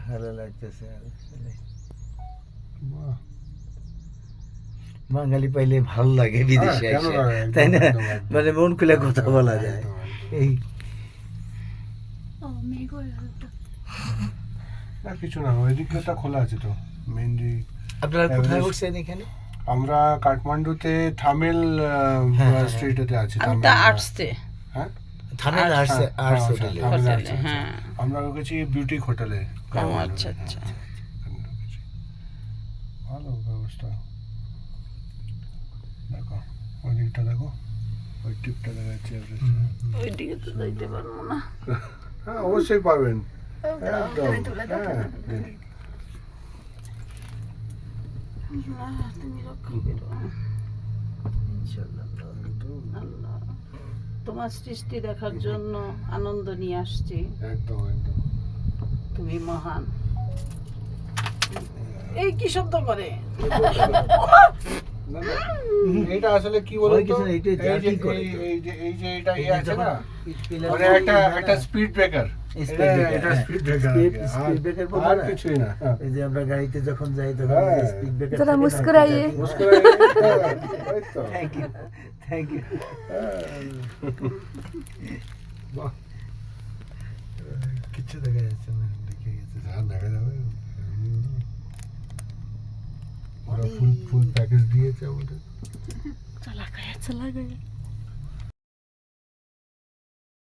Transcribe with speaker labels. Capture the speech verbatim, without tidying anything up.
Speaker 1: ভালো লাগতেছে বাঙালি পাইলে ভালো লাগে বিদেশে এসে, তাই না? মানে মন খুলে কথা বলা যায়। এই
Speaker 2: কিছু না, ওই দিকটা খোলা আছে তো মেনলি।
Speaker 1: আপনারা কোথায় উঠছেন এখানে?
Speaker 2: আমরা কাঠমান্ডুতে থামেল স্ট্রিটেতে আছি।
Speaker 3: আমরা আর্টসে,
Speaker 2: হ্যাঁ
Speaker 1: থামেল আর্টস আর্টস হোটেলে।
Speaker 3: হ্যাঁ
Speaker 2: আমরা গেছি বিউটি হোটেলে।
Speaker 3: আচ্ছা আচ্ছা,
Speaker 2: ভালো ব্যবস্থা। দেখো ওই দিকটা, দেখো ওই টিপটা দেখা যাচ্ছে।
Speaker 3: ওই দিকে তো যাইতে পারবো না।
Speaker 2: হ্যাঁ অবশ্যই পারবেন, একদম। হ্যাঁ
Speaker 3: তুমি রক্ষা করো আল্লাহ। তোমার সৃষ্টি দেখার জন্য আনন্দ নিয়ে আসছি।
Speaker 2: একদম একদম,
Speaker 3: তুমি মহান। এই কি শব্দ করে?
Speaker 2: এইটা আসলে কি বলতো, এই যে এই যে এই যে এটা ইয়ে আছে না, মানে একটা একটা স্পিড ব্রেকার। এটা স্পিড ব্রেকার,
Speaker 1: স্পিড ব্রেকার বলে
Speaker 2: আর
Speaker 1: না?
Speaker 2: কিছুই না।
Speaker 1: এই যে আমরা গাড়িতে যখন যাই তখন স্পিড ব্রেকার
Speaker 4: जरा मुस्कुराइए।
Speaker 2: ওই তো।
Speaker 1: Thank you thank you.
Speaker 2: বাহ,
Speaker 1: কিছু দেখা যাচ্ছে না, দেখে গেছে।
Speaker 2: হ্যাঁ দেখা যাবে। ওরা ফুল ফুল প্যাকেজ দিয়েছে আমাদের।
Speaker 4: चला गया चला गया